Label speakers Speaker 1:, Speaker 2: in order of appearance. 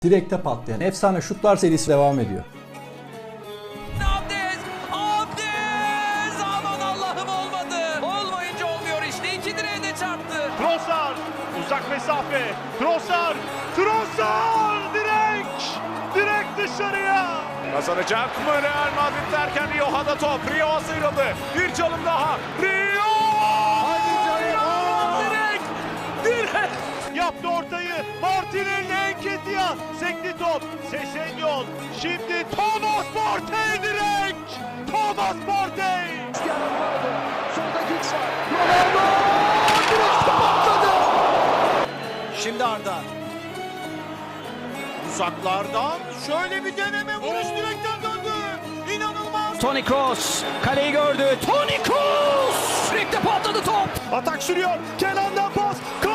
Speaker 1: Direkte patlayan efsane şutlar serisi devam ediyor.
Speaker 2: Abdez! Aman Allah'ım olmadı. Olmayınca olmuyor işte. İki direğe de çarptı.
Speaker 3: Trossard uzak mesafe. Trossard direk dışarıya. Kazanacak mı Real Madrid derken Rio'da top. Rio sıyrıldı. Bir çalım daha. Rio! Hadi canım. Direk. Yaptı ortayı. Martinelli Enketia. Sekti top. Sesenyon. Şimdi Thomas Partey direk. Thomas Partey. Şimdi Arda. Uzaklardan şöyle bir deneme vuruş direkten döndü. İnanılmaz.
Speaker 2: Toni Kroos kaleyi gördü. Toni Kroos! Direkte patladı top.
Speaker 3: Atak sürüyor. Kenan'dan pas.